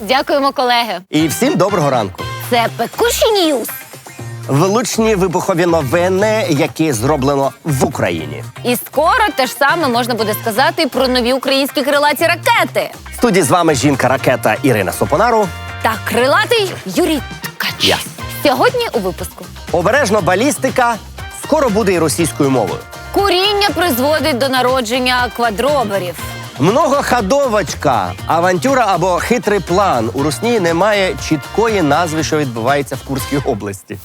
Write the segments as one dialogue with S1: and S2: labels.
S1: Дякуємо, колеги.
S2: І всім доброго ранку.
S1: Це Пекуші Ньюс.
S2: Влучні вибухові новини, які зроблено в Україні.
S1: І скоро те ж саме можна буде сказати і про нові українські крилаті ракети.
S2: В студії з вами жінка-ракета Ірина Сопонару.
S1: Та крилатий Юрій Ткач.
S2: Я.
S1: Сьогодні у випуску.
S2: Обережно балістика скоро буде і російською мовою.
S1: Куріння призводить до народження квадроберів.
S2: Многоходовочка, авантюра або хитрий план. У Русні немає чіткої назви, що відбувається в Курській області.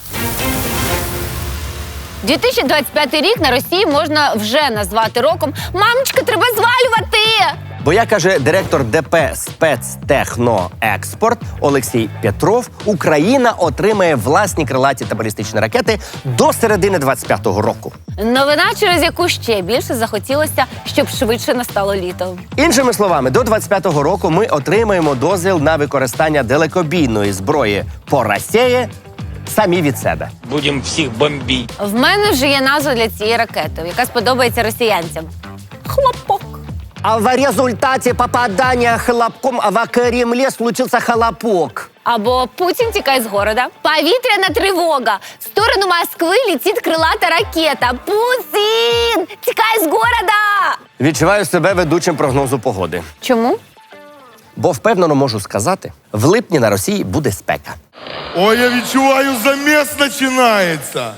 S1: 2025 рік на Росії можна вже назвати роком «Мамочка, треба звалювати!».
S2: Бо, як каже директор ДП «Спецтехноекспорт» Олексій Петров, Україна отримає власні крилаті та балістичні ракети до середини 25-го року.
S1: Новина, через яку ще більше захотілося, щоб швидше настало літо.
S2: Іншими словами, до 25-го року ми отримаємо дозвіл на використання далекобійної зброї по Росії самі від себе.
S3: Будемо всіх бомбити.
S1: В мене вже є назва для цієї ракети, яка сподобається росіянцям. Хлопок.
S2: А в результаті попадання хлопком в Кремлі случився хлопок.
S1: Або «Путін тікає з города». Повітряна тривога. В сторону Москви летить крилата ракета. Путін тікає з города!
S2: Відчуваю себе ведучим прогнозу погоди.
S1: Чому?
S2: Бо впевнено можу сказати, в липні на Росії буде спека.
S4: Ой, я відчуваю, заміс починається.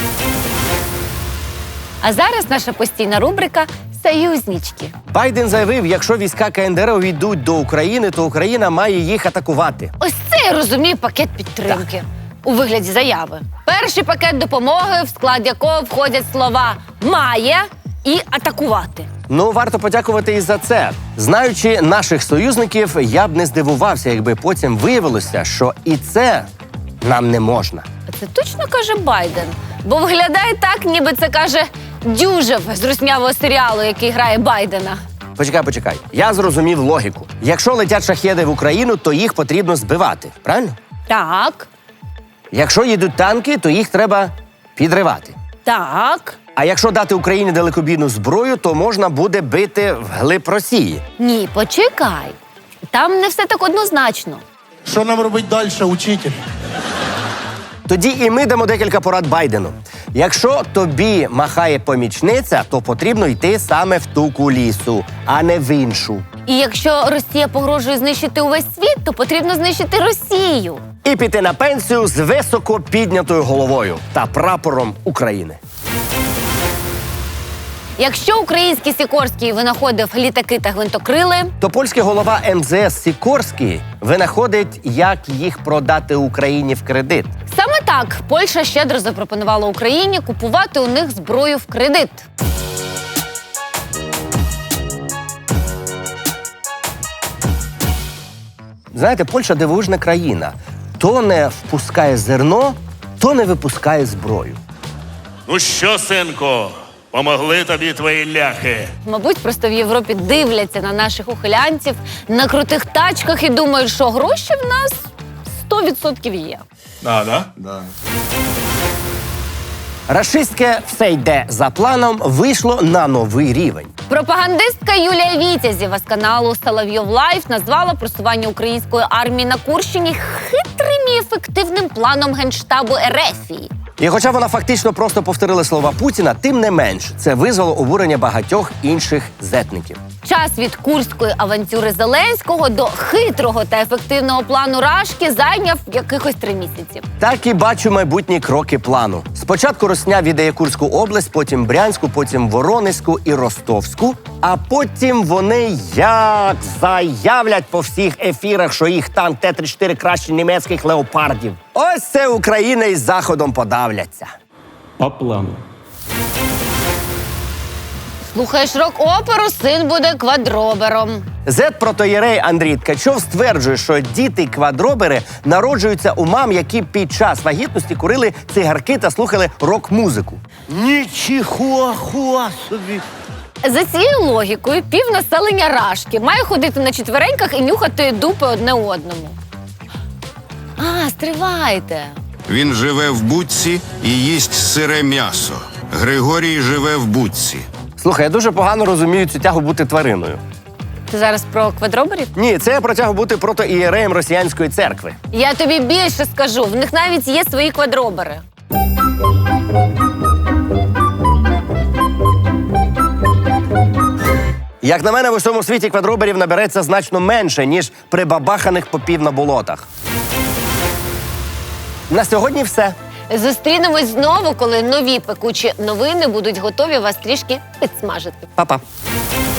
S1: А зараз наша постійна рубрика «Союзнички».
S2: Байден заявив, якщо війська КНДР увійдуть до України, то Україна має їх атакувати.
S1: Ось це я розумію пакет підтримки. У вигляді заяви. Перший пакет допомоги, в склад якого входять слова «має» і «атакувати».
S2: Ну, варто подякувати і за це. Знаючи наших союзників, я б не здивувався, якби потім виявилося, що і це нам не можна.
S1: А це точно каже Байден? Бо виглядає так, ніби це каже Дюжев з руснявого серіалу, який грає Байдена.
S2: Почекай. Я зрозумів логіку. Якщо летять шахеди в Україну, то їх потрібно збивати. Правильно?
S1: Так,
S2: Якщо їдуть танки, то їх треба підривати.
S1: так.
S2: А якщо дати Україні далекобійну зброю, то можна буде бити вглиб Росії.
S1: Ні, почекай. Там не все так однозначно.
S4: Що нам робити далі, учитель?
S2: Тоді і ми дамо декілька порад Байдену. Якщо тобі махає помічниця, то потрібно йти саме в ту кулісу, а не в іншу.
S1: І якщо Росія погрожує знищити увесь світ, то потрібно знищити Росію.
S2: І піти на пенсію з високо піднятою головою та прапором України.
S1: Якщо український Сікорський винаходив літаки та гвинтокрили,
S2: То польський голова МЗС Сікорський винаходить, як їх продати Україні в кредит.
S1: саме так Польща щедро запропонувала Україні купувати у них зброю в кредит.
S2: Знаєте, Польща дивовижна країна. То не впускає зерно, то не випускає зброю.
S5: Ну що, синку, помогли тобі твої ляхи?
S1: Мабуть, просто в Європі дивляться на наших ухилянців на крутих тачках і думають, що гроші в нас 100% є.
S4: Да?
S2: Рашистське «все йде за планом» вийшло на новий рівень.
S1: Пропагандистка Юлія Вітязєва з каналу «Соловйов Лайф» назвала просування української армії на Курщині хитрим і ефективним планом Генштабу Ерефії.
S2: І хоча вона фактично просто повторила слова Путіна, тим не менш, це визвало обурення багатьох інших зетників.
S1: Час від курської авантюри Зеленського до хитрого та ефективного плану Рашки зайняв якихось 3 місяці.
S2: Так і бачу майбутні кроки плану. Спочатку Росня віддає Курську область, потім Брянську, потім Воронезьку і Ростовську. А потім вони як заявлять по всіх ефірах, що їх танк Т-34 краще німецьких леопардів. Ось це Україна із Заходом подавляться.
S3: По плану.
S1: Слухаєш рок-оперу, син буде квадробером.
S2: Зет-протоєрей Андрій Ткачов стверджує, що діти-квадробери народжуються у мам, які під час вагітності курили цигарки та слухали рок-музику. Нічого собі!
S1: За цією логікою, півнаселення Рашки має ходити на четвереньках і нюхати дупи одне одному. А, стривайте.
S6: Він живе в будці і їсть сире м'ясо. Григорій живе в будці.
S2: Слухай, я дуже погано розумію цю тягу бути твариною.
S1: Ти зараз про квадроберів?
S2: Ні, це я протягу бути протоієреєм росіянської церкви.
S1: Я тобі більше скажу, в них навіть є свої квадробери.
S2: Як на мене, в усьому світі квадроберів набереться значно менше, ніж прибабаханих попів на болотах. На сьогодні все.
S1: Зустрінемось знову, коли нові пекучі новини будуть готові вас трішки підсмажити.
S2: Па-па.